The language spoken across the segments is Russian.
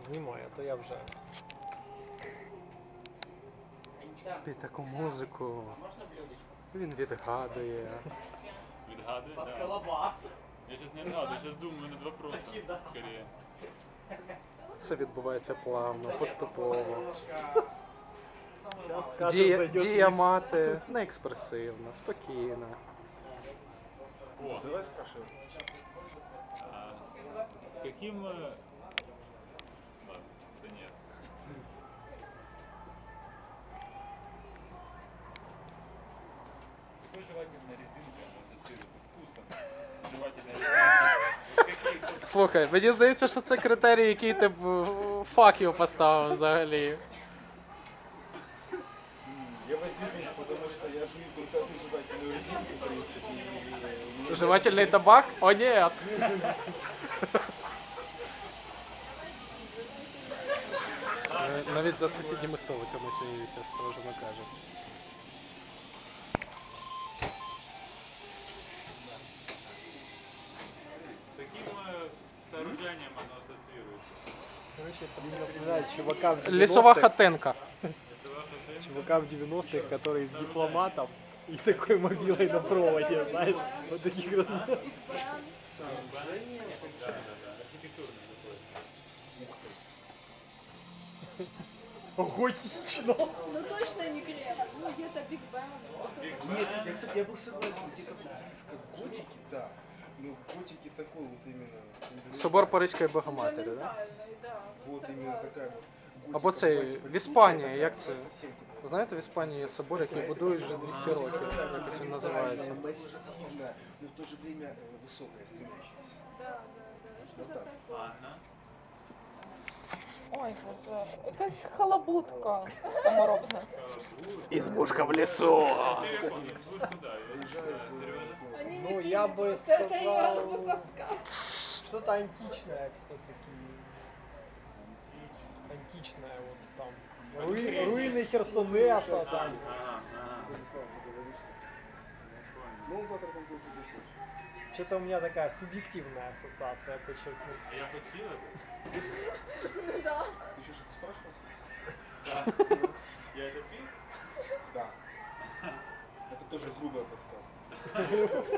знімай, а то я вже. Під таку музику. Він відгадує. Відгадує? Под Да. колобас. Я сейчас не отгадываю, я сейчас думаю над вопросом. Скорее. Все відбувається плавно, поступово. Зараз Катя зайде. Дія мати не експресивна, спокійна. О, Давай спрашивай. с каким... Ладно, да нет. С какой жевательной резинкой она ассоциируется вкусом? Жевательная резинка. Слухай, мені здається, що це критерій, який ти б факів поставив взагалі. Я воздержусь, потому что я жую только одну жевательную резинку, в принципе. Жевательний табак? О, ні! Навіть за сусідніми столиками сміються, строжено кажуть. С каким сооружением оно ассоциируется? Короче, это мне напоминает чувака в 90-х. Лісова хатинка. Чувака в 90-х, который из дипломатов и такой мобилой на проводе, знаешь, вот таких размеров. Готично. Ну точно не Глеб. Ну где-то Биг Бен. Нет, я, кстати, я был согласен, где-то близко к готике, да. Но готики такой вот именно... Собор Паризької Богоматері, так? Да? Фундаментальный, да. Вот именно такая вот готика. Або цей в Іспанії, як це? Совсем такой. Знаєте, в Іспанії є собор, який будують вже 200 років, якось він називається. Массивная, но в то же время высокая, стремящаяся. Да, да, да. Что-то так. такое. Ладно. Ой, боже, якась халабутка саморобна. Ізбушка в лісу! Ты как он? Слушай, куда? Серьезно? Они Ну, не я пили, бы просто это сказал- ее подсказ. Что-то античное все-таки. Античное вот там. Руины Херсонеса там. Ну, он завтра там будет идти. Что-то у меня такая субъективная ассоциация, подчеркну. Я хотел это? Да. Ты еще что-то спрашивал? Да. Я это пил? Да. Это тоже грубая подсказка.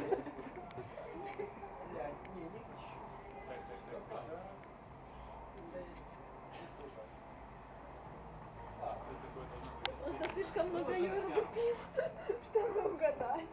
Просто слишком много йогурта пил, чтобы угадать.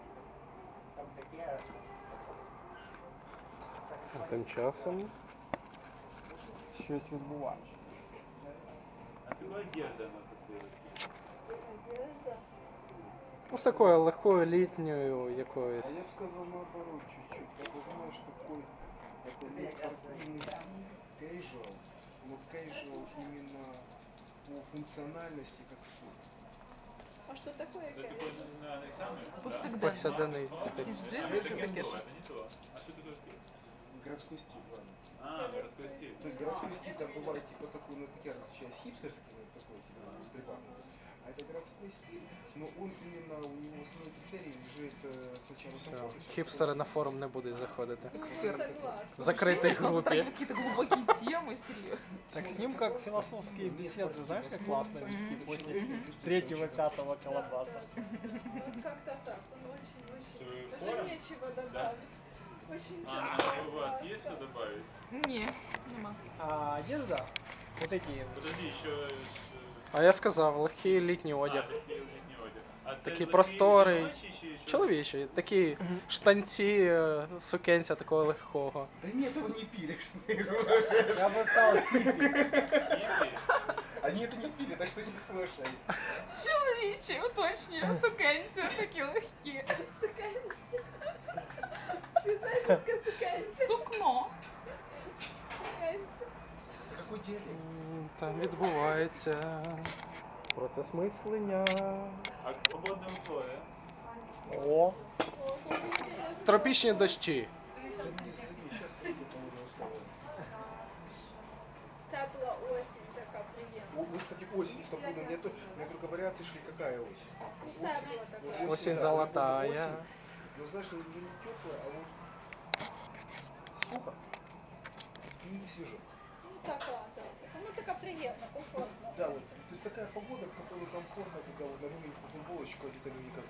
Тим часом Щось відбувається. А с какой одеждой оно ассоциируется? Одежда. ну, з такою легкою літньою якоюсь. А я бы сказал наоборот чуть-чуть. Ты знаешь, такой есть спортивный стиль, casual, но casual именно по функциональности как спорт. А что такое Это кэш? такой на экзамен? Повсякденно. Повсякденний стиль. Якісь Это джинси не таке то, щось. это не то. А что такое стиль? Городской стиль, ладно. А, городской стиль. То есть городской стиль там бывает типа такой, ну как я различаю, хипстерский, вот такой типа прибавный. А это городской стиль, но он именно, у него основной критерий лежит сначала Все, комфорт. хіпстери на форум не будуть заходити. Согласна. В закритій Ощущение, что групі. затрагивает какие-то глубокие темы, серьезно. Так с ним как философские беседы, знаешь, как классно вести после третьего, пятого колобаса. Вот как-то так. Он очень-очень. Что, Даже форум? нечего добавить. Очень А, часто. у вас есть что добавить? Не, нема. А одежда, вот эти, Подожди, еще... А я сказав, легкий літній одяг. летний одяг. А це Такий легкий просторий, жіночий чи що? чоловічий, такі штанці, сукенця такого легкого. Да нет, его не пилишь. я бы сказал, хиппи. Хіппі? Они это не пили, так что не слушай. Чоловічі, уточнюю, сукенці такі легкі. Ты знаешь, что такое суканцы? Сукно. Суканцы. Какой диалект? Там відбувається процес мислення. А погодные условия? О, Тропічні дощі. Да не сыми, сейчас придет погодные условия. Тепла осень такая приємна. Вот, кстати, осень, что пудно. Мне только варианты шли, какая осень. Тепла така. Осень да, золотая. осень. Но знаешь, уже не теплая, а вот сухо и свежо. Ну така, так. Ну така приятно, комфортно. Да, вот. То есть такая погода, в которой комфортно, когда вот на маленькую футболочку одета никак.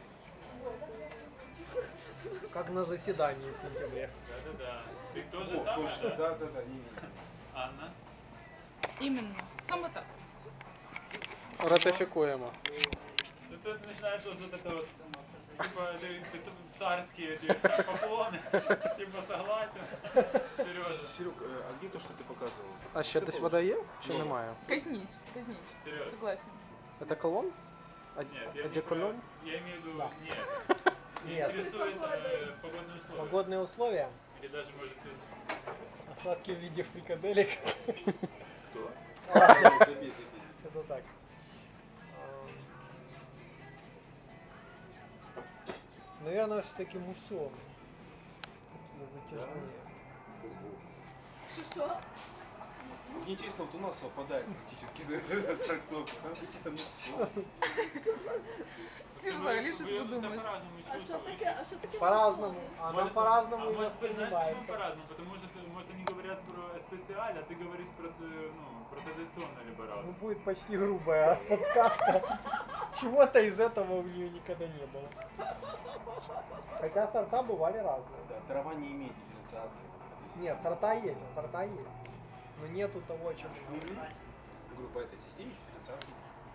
Как на заседании в сентябре. Да-да-да. Ты тоже О, самое, точно, да? да, именно. Анна? Іменно. Саме так. Ратифікуємо. Тут начинается вот это вот, типа, ты царские эти поклоны, типа согласен. Сережа, Серег, а где то, что ты показывал? А ще десь вода є? Чи немає? Казніть, казніть. Сережа. Согласен. Це колон? Нет, я, не Одеколон? про- я имею в виду, Да. нет. Меня Нет. интересует погодные условия. Погодные условия. Или даже, может, Осадки в виде фрикаделек. Что? Ладно, Забей, забей. это так. Наверное, все-таки мусон. Для затяжные. Что? Не честно, вот у нас совпадает практически трактовка. Там какие-то муссо. Ці взагалі щось вы видумують. по-разному А что чувствуете. таке? А что таке? По-разному. мусон? Она по-разному а и может быть, знаешь, почему воспринимается. по-разному? Потому что, может, они говорят про специаль, а ты говоришь про, ну, про традиционное либерал. Ну, будет почти грубая подсказка. Чего-то из этого у нее никогда не было. Хотя сорта бывали разные. Да, трава не имеет дифференциации. Нет, сорта есть. Но нету того, о чем мы говорим. Группа этой системы дифференциации.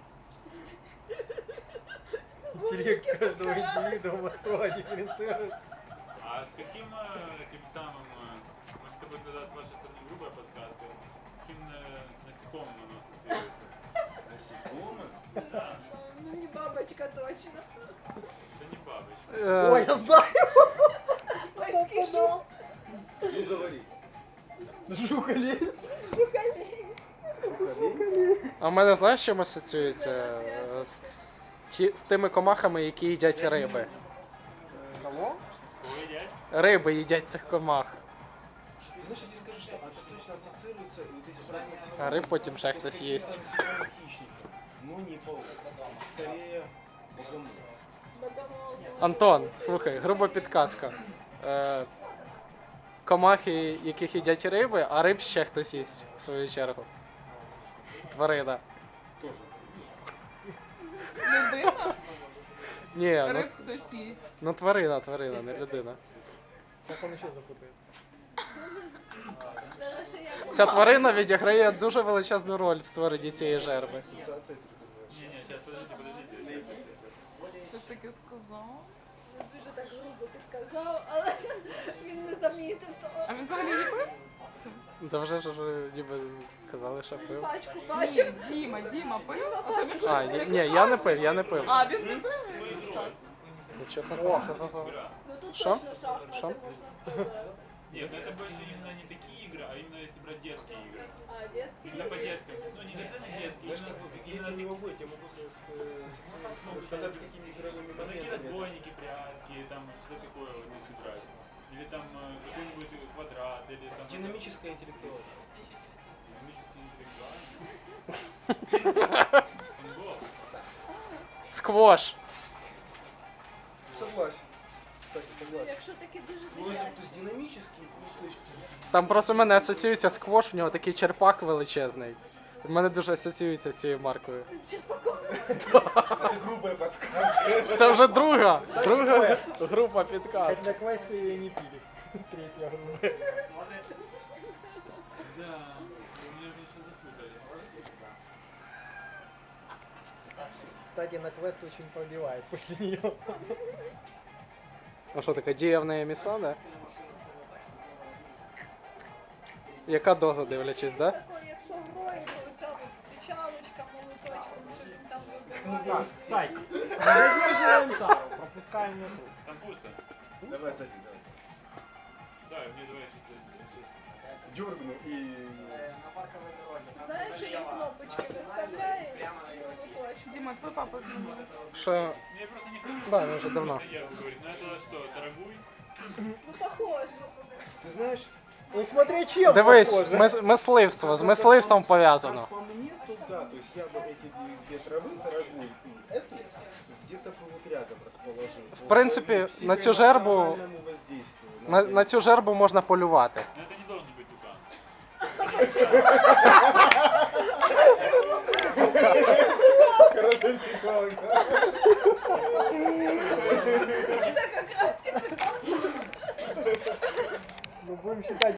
Интеллект каждого индивидуума строго дифференцируется. А с каким тем самым, может, это будет тогда с вашей стороны грубая подсказка, с каким насекомым оно ассоциируется? Насекомых? Да, Ну не бабочка точно. это не бабочка. Ой, я знаю. Ой, скажу. Ну говори. Жукали. Жукалей. А в мене знаєш, з чим асоціюється? З тими комахами, які їдять риби. Кого? Ой, дядь. Риби їдять цих комах. И знаешь, я тебе скажу, что это точно ассоциируется, вот если брать насекомых, А рыб потім ще то хтось скорее їсть. насекомых хищников, но не паук. Скорее богомол. Богомол. Антон, слухай, груба підказка. Комахи, яких їдять риби, а риб ще хтось їсть, в свою чергу. Тварина. Тоже. Людина, Ні, ну, риб хтось їсть. ну тварина, не людина. Как он еще запутается? Даже що я Ця тварина відіграє дуже величезну роль в створенні цієї жерби. Ассоциация ты думаешь. Не-не, сейчас, подождите. Що ж таке сказав? дуже так грубо підказав, але він не замітив того. А він взагалі не пив? Та вже ж ніби казали, що пив. Пачку бачив. Діма пив? А то він А, щось- ні, я не пив. А, він не пив? Він розказує. Нічого такого. Ну тут Що? точно шахмати Що? можна сказати. Нет, ну это больше именно не такие игры, а именно если брать детские игры. А, детські Именно по детским. Ну не детские, Знаешь, именно, как именно я не могу, я могу сказать, с какими игровыми ну, такие моментами. разбойники, прятки, там что такое вот здесь играть. Или там какой-нибудь квадрат, или там... Динамическая интеллектуальность. Динамический интеллектуальный. Футбол. Сквош. Согласен. Кстати, согласен. Якщо такі дуже Ну, если дитячі. то есть динамический, плюс то есть Там просто в мене асоціюється сквош, в нього такий черпак величезний. В мене дуже асоціюється з цією маркою. это грубая подсказка. Це вже друга група підказок. Хоть на квесте ее не пили. Третья грубая. Да, меня еще запутали. Кстати, на квест очень пробивает после нее. А що таке, дія в неї міцна, да? Яка доза, дивлячись, да? Такої, якщо грою, то оця от печалочка, молоточком, щоб він там Ну вибивав. так, кстати. Задерживаем тару, пропускаем на круг. Там пусто. Давай, садись, давай. Да, мне давай сейчас. Дергну и... Знаєш, що він кнопочки виставляє молоточком. Діма, твій папа дзвонив. Що, Мне просто не хочу. да, ну вже давно. Я говорю, ну это что, дорогуй? Ну, похоже. Ты знаешь, Ну смотри, чем Дивись, похоже. мисливство, з мисливством пов'язано. по мне, то да, то есть я бы эти две травы, дорогую и эту, где-то бы вот рядом расположил. В принципе, на цю жербу- На цю жербу можна полювати. Но это не должен быть тукан. Психолога. Ну будем считать